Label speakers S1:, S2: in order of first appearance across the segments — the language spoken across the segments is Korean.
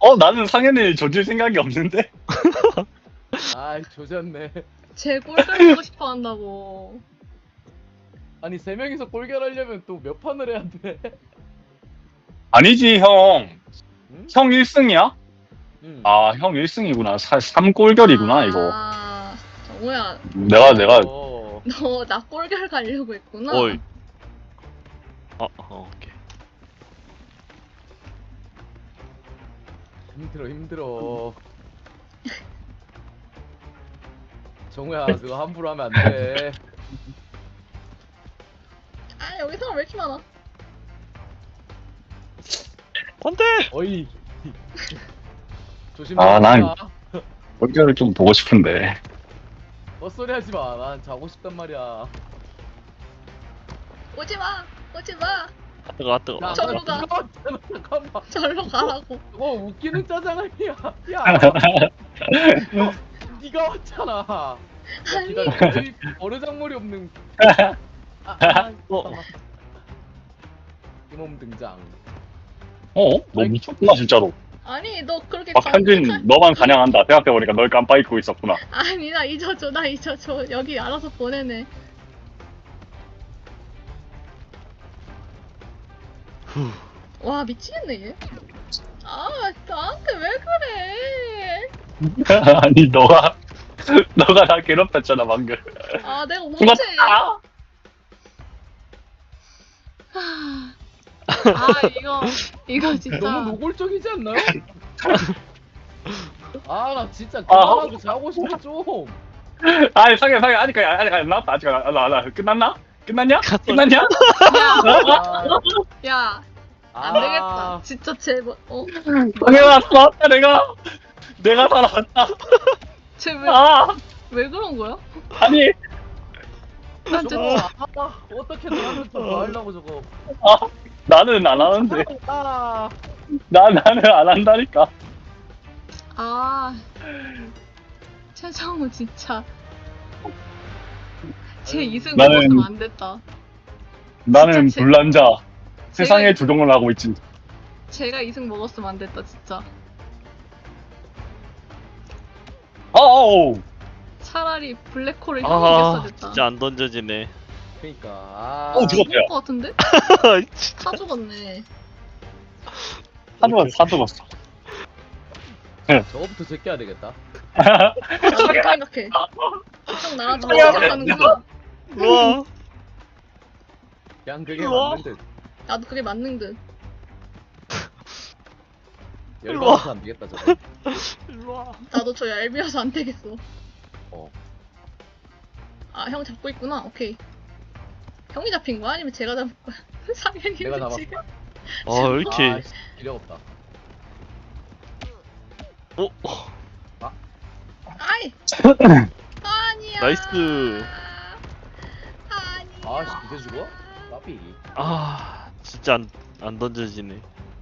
S1: 나는 상현을 조질 생각이 없는데?
S2: 아이 조졌네.
S3: 제 꼴들 보고 싶어 한다고.
S2: 아니 3명이서 꼴결하려면 또 몇 판을 해야 돼?
S1: 아니지, 형.
S2: 응?
S1: 형 1승이야?
S2: 응.
S1: 아, 형 1승이구나. 3꼴결이구나, 이거.
S3: 아, 정우야,
S1: 내가,
S2: 어.
S3: 너 나 꼴결 가려고 했구나.
S4: 어이. 오케이.
S2: 힘들어. 정우야 그거 함부로 하면 안 돼.
S3: 아, 여기 사람 왜 이렇게 많아?
S4: 안 돼!
S2: 어이. 조심.
S1: 아, 난- 꼴결을 좀 보고 싶은데.
S2: 헛소리 하지 마. 난 자고 싶단 말이야.
S3: 오지 마, 오지 마.
S4: 뜨거, 뜨거.
S2: 야,
S3: 저리로 가.
S2: 잠깐만.
S3: 절로 가라고.
S2: 그거 웃기는 짜장 아니야. 야. 네가 왔잖아. 야,
S3: 아니.
S2: 기다려. 여기 버르장머리 없는.
S4: 어.
S2: 이몸 등장.
S1: 너 미쳤구나, 진짜로.
S3: 아니, 너 그렇게
S1: 박현진, 너만 반영한다. 생각해보니까 널 깜빡 잊고 있었구나.
S3: 아니, 나 잊어줘. 여기 알아서 보내네. 와, 미치겠네 얘. 아, 나한테 왜 그래?
S1: 아니, 너가 나 괴롭혔잖아, 방금.
S3: 아, 내가 언제?
S1: 죽었다!
S3: 아, 이거 진짜.
S2: 너무 노골적이지 않나요? 아, 나 진짜 그만하고 자고 싶어 좀.
S1: 아니, 상현, 아직 안 나왔다. 아직 안 나왔다. 끝났나? 끝났냐? 끝났냐?
S3: 야, 안
S2: 아.
S3: 되겠다. 진짜 제발.
S1: 상현아, 살았다, 내가 살아왔다.
S3: 쟤왜
S1: 아,
S3: 왜 그런 거야?
S1: 아니,
S3: 난
S2: 저거
S3: 진짜.
S2: 어떻게든 하면 좀 하려고 저거.
S1: 나는 안 하는데.
S2: 아,
S1: 나는 안 한다니까.
S3: 아, 최정우 진짜. 제 이승
S1: 나는-
S3: 먹었으면 안 됐다.
S1: 나는
S3: 진짜
S1: 불난자. 세상에
S3: 제가-
S1: 주동을 하고 있지.
S3: 제가 이승 먹었으면 안 됐다 진짜.
S1: 아우.
S3: 차라리 블랙홀을 형이
S4: 아,
S3: 이겼어야 됐다.
S4: 진짜 안 던져지네.
S2: 그러니까. 아.
S1: 죽었다.
S3: 죽을 것 같은데?
S4: 진짜.
S3: 다 죽었네.
S1: 사 죽었어.
S2: 저거부터 제껴야 되겠다.
S3: 나도 그렇게 생각해. 형 나랑 좀 생각하는구나.
S4: 우와.
S2: 그냥 그게
S4: 우와.
S2: 맞는 듯.
S3: 나도 그게 맞는 듯.
S2: 열받아서 안 되겠다 저거.
S4: 일로와.
S3: 나도 저 얄미워서 안 되겠어.
S2: 어.
S3: 아, 형 잡고 있구나. 오케이. 형이 잡힌 거야? 아니면 제가 잡은 거야? 상현이
S2: 내가 잡았어.
S3: 지금.
S4: 왜 이렇게.
S2: 아, 씨, 기력 없다.
S3: 아이! 아니야!
S4: 나이스.
S3: 아니야.
S2: 아, 씨, 이제 죽어? 까비.
S4: 진짜 안 던져지네.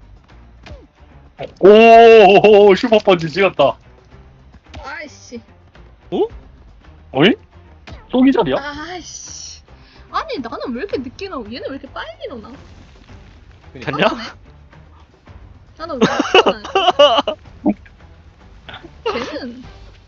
S1: 오, 슈퍼펀치 찍었다.
S3: 아이씨.
S1: 어이? 또 기절이야?
S3: 아이씨. 아니, 나는 왜 이렇게 늦게 나오고 얘는 왜 이렇게 빨리 일어나?
S2: 그러니까.
S4: 갔냐?
S3: 나는 왜 이렇게 일어나? 쟤는.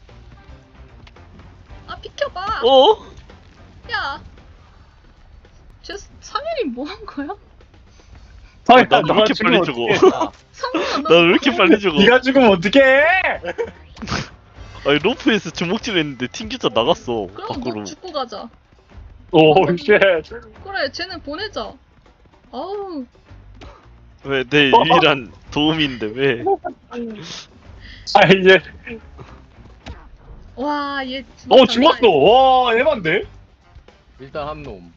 S3: 아, 비켜봐. 야. 쟤 상현이 뭐 한 거야?
S1: 상현,
S4: 나왜
S1: 너가
S4: 이렇게
S1: 죽으면
S4: 빨리 죽어?
S1: 어떡해.
S2: 아,
S3: 상현아, 너.
S4: 나 왜 이렇게 빨리 죽어?
S1: 네가 죽으면 어떡해?
S4: 아니 로프에서 주먹질 했는데 튕겨져 나갔어
S3: 그럼
S4: 밖으로.
S3: 너 죽고 가자.
S1: 오, 쉣.
S3: 그래, 쟤는 보내자. 아우.
S4: 왜 내 유일한 도움인데 왜?
S1: 아, 이제.
S3: 와, 얘.
S1: 죽었어. 와, 에반데?
S2: 일단 한 놈.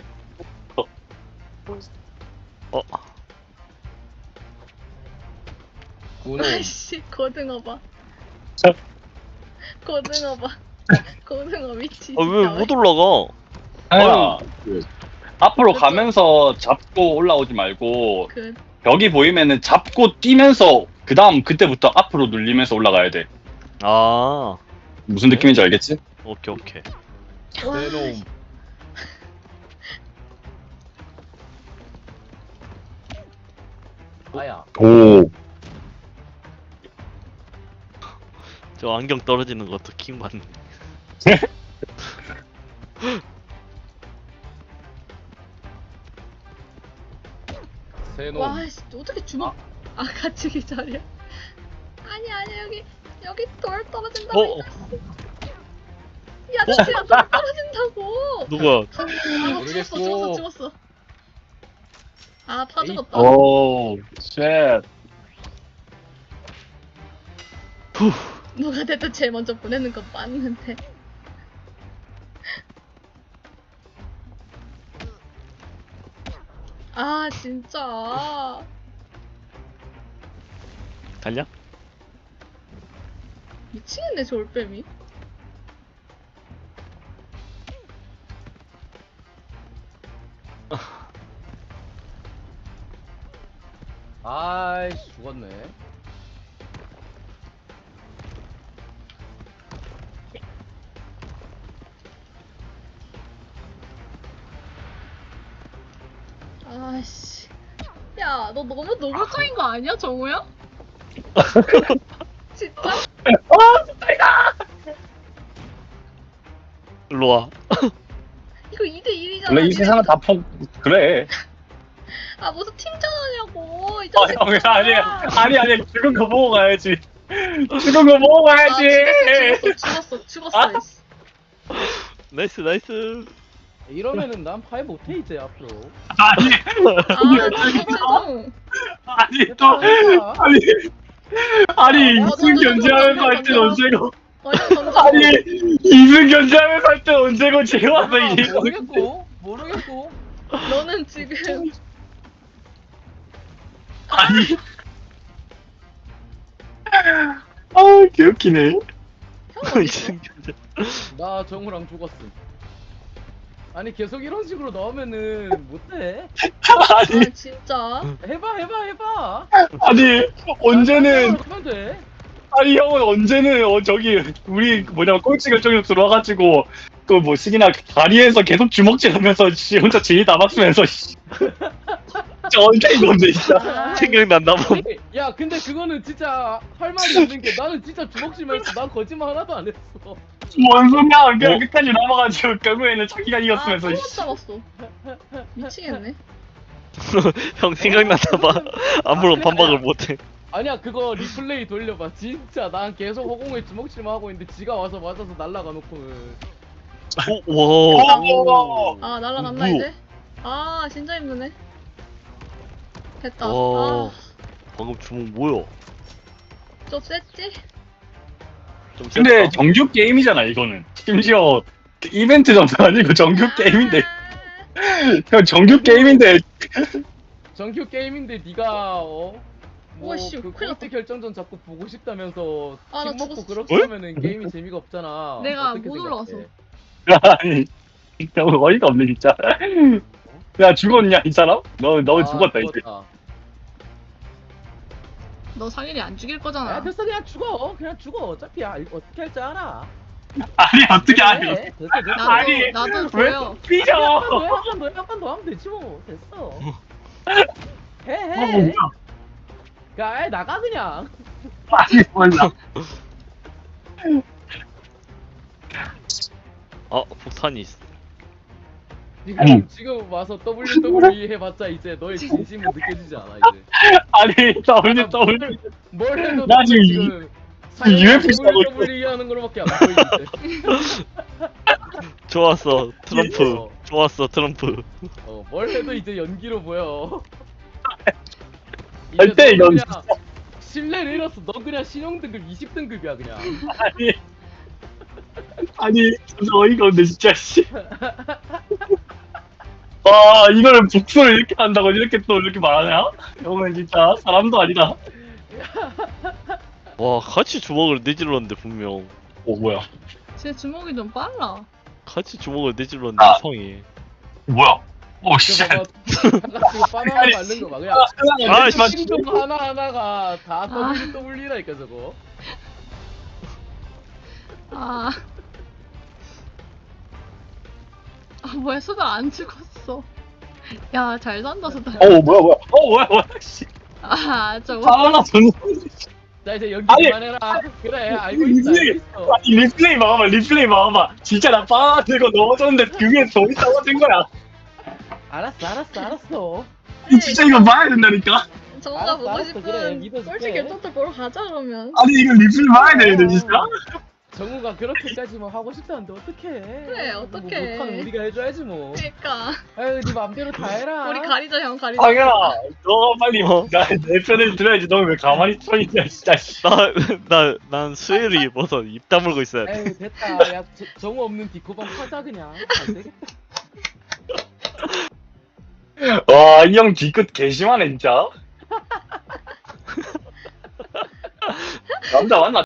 S2: 구놈.
S3: 아이씨, 고등어 봐. 고등어 봐. 고등어 미치.
S4: 왜 못 올라가?
S1: 상현아, 앞으로 가면서 잡고 올라오지 말고,
S3: 그,
S1: 벽이 보이면은 잡고 뛰면서, 그때부터 앞으로 눌리면서 올라가야 돼.
S4: 아
S1: 무슨 느낌인지 알겠지?
S4: 오케이.
S3: 와,
S2: 내 놈. 아야.
S1: 오.
S4: 저 안경 떨어지는 것도 킹 받네.
S2: 세놈.
S3: 와, 씨, 어떻게 주먹? 아, 같이 기다려. 아니야, 여기 돌 떨어진다고.
S4: 어?
S3: 야, 진짜 돌 떨어진다고.
S4: 누가?
S3: 아,
S2: 모르겠고.
S3: 죽었어. 아, 파
S2: 에이.
S3: 죽었다.
S1: 오, 쉣.
S3: 누가 됐든 제일 먼저 보내는 건 맞는데. 아, 진짜.
S4: 달냐?
S3: 미치겠네, 저 올빼미.
S2: 아이씨 죽었네.
S3: 아씨. 야, 너 너무 노골적인 거 아니야, 정우야? 진짜?
S4: 일로 와.
S3: 이거 2대1이잖아.
S1: 원래 이 세상은 다 그래.
S3: 아, 무슨 팀전하냐고. 이
S1: 어,
S3: 자식.
S1: 형, 아니, 죽은 거 보고 가야지. 죽은 거 보고
S3: 아,
S1: 가야지.
S3: 죽었어. 이씨.
S4: 나이스.
S2: 이러면은 난 파이 못해 이제 앞으로.
S1: 아니,
S3: 아, 최종.
S1: 아니, 또, 아니, 이승 견제하면서 할 땐 언제고. 아니, 이승 견제하면서 할 땐 언제고, 제가 와서
S2: 아,
S1: 이게.
S2: 모르겠고.
S3: 너는 지금.
S1: 아니. 아, 개웃기네.
S4: 이승균.
S2: 나 정우랑 죽었음. 아니 계속 이런 식으로 나오면은 못해.
S1: 아니,
S3: 아, 진짜.
S2: 해봐.
S1: 아니, 언제는,
S2: 하면 돼.
S1: 아니, 형은 언제는, 저기, 우리, 꼴찌 결정력 들어와가지고, 그 뭐, 시기나 다리에서 계속 주먹질 하면서, 씨, 혼자 진이 다 막으면서, 씨. 진짜 언제 이건데, 진짜.
S3: 아,
S4: 생각났나 봐.
S2: 야 근데 그거는 진짜 할 말이 있는 게 나는 진짜 주먹질만 했어. 난 거짓말 하나도 안 했어.
S1: 뭔 소리야. 그냥
S4: 어?
S1: 끝까지 남아가지고, 결국에는 자기가 이겼으면서,
S3: 또
S1: 씨.
S3: 잡았어. 미치겠네.
S4: 형 생각났나 봐. 아무런 반박을 못해.
S2: 아니야 그거 리플레이 돌려봐. 진짜 난 계속 허공에 주먹질만 하고 있는데 지가 와서 맞아서 날라가 놓고는.
S4: 오, 와.
S1: 오.
S3: 아, 날라갔나,
S4: 뭐야?
S3: 이제? 아, 진짜 힘드네. 됐다.
S4: 와.
S3: 아,
S4: 방금 주먹 뭐야?
S3: 좀 셌지?
S4: 좀
S1: 근데
S4: 셌다.
S1: 정규 게임이잖아, 이거는. 심지어, 이벤트 정도 아니고 정규 게임인데. 형, 정규 게임인데.
S2: 정규 게임인데 네가
S3: 우와, 씨,
S2: 그
S3: 큰일 났다.
S2: 꼴찌 결정전 자꾸 보고 싶다면서
S3: 아, 나
S2: 침 먹고
S3: 죽었어.
S2: 그렇게 하면은 게임이 재미가 없잖아.
S3: 내가
S2: 어떻게
S3: 못
S2: 생각해?
S3: 올라와서.
S1: 아니, 너무 어이가 없네, 진짜. 야, 죽었냐, 이 사람? 너
S2: 아,
S1: 죽었다, 이제.
S2: 죽었다.
S3: 너 상일이 안 죽일
S2: 야
S3: 거잖아.
S2: 됐어 그냥 죽어. 어차피 어떻게 할 줄 알아.
S1: 아니, 어떻게 아니.
S2: 됐어.
S3: 나도,
S1: 아니,
S3: 나도
S1: 왜
S3: 보여.
S1: 삐져?
S2: 한번더 하면 되지 뭐. 됐어.
S1: 아,
S2: 해.
S1: 뭐야.
S2: 야 아이, 나가 그냥.
S1: 아니, 몰라.
S4: 아, 폭탄이 있어.
S2: 지금 와서 WWE 해봤자 이제 너의 진심은 느껴지지 않아 이제.
S1: 아니, W.
S2: 뭘 해도
S1: 나 지금
S2: 지금
S1: UFC 하고 있어.
S2: WWE 하는 거로밖에 안 보이지.
S4: 좋았어, 트럼프.
S2: 어.
S4: 좋았어, 트럼프.
S2: 뭘 해도 이제 연기로 보여.
S1: 절대
S2: 이제 너
S1: 이건
S2: 그냥 신뢰를 잃었어. 너 그냥 신용등급 20등급이야 그냥.
S1: 아니, 진짜 어이가 없네, 진짜, 씨. 와, 이거를 복수를 이렇게 한다고 이렇게 또 이렇게 말하냐? 형은 진짜 사람도 아니다.
S4: 와, 같이 주먹을 내질렀는데 분명.
S1: 오, 뭐야.
S3: 제 주먹이 좀 빨라.
S4: 같이 주먹을 내질렀는데
S1: 아.
S4: 이상해.
S1: 뭐야. 오, 씨.
S2: 저 봐봐. 잠깐 지금 바나나 맞는 거 봐. 그냥
S4: 아,
S2: 행동 하나하나가 다 WWE라니까 저거.
S3: 아. 아, 뭐야, 수달 안 죽었어. 야, 잘 산다, 수달.
S1: 뭐야. 씨.
S3: 아, 저거.
S1: 바나나 전
S2: 자 이제 연기
S1: 아니,
S2: 그만해라. 그래 알고 있어. 알고 있어.
S1: 아니 리플레이 봐봐 리플레이 봐봐 진짜 나 빠지고 넘어졌는데 그게 더 떨어진 거야
S2: 알았어.
S1: 진짜 이거 봐야 된다니까
S3: 정우가
S2: 알았어,
S3: 보고
S2: 알았어,
S3: 싶은
S2: 그래, 믿어줄게.
S3: 꼴찌 결정도 보러 가자 그러면.
S1: 아니 이거 리플레이 봐야 되는데 진짜
S2: 정우가 그렇게까지 뭐 하고 싶다는데 어떡해.
S3: 그래, 어떡해.
S2: 뭐 못하는 우리가 해줘야지 뭐.
S3: 그러니까
S2: 아유 네 맘대로 다 해라.
S3: 우리 가리자 형 가리자.
S1: 당연아 너가 빨리
S4: 어.
S1: 내 편을 들어야지 너 왜 가만히 서 있냐 진짜 씨.
S4: 난 수혜를 입어서 입 다물고 있어야 돼.
S2: 에휴 됐다. 야 정우 없는 디코방 하자 그냥. 안 되겠다.
S1: 와이 형 뒤끝 개심하네 진짜 남자 맞나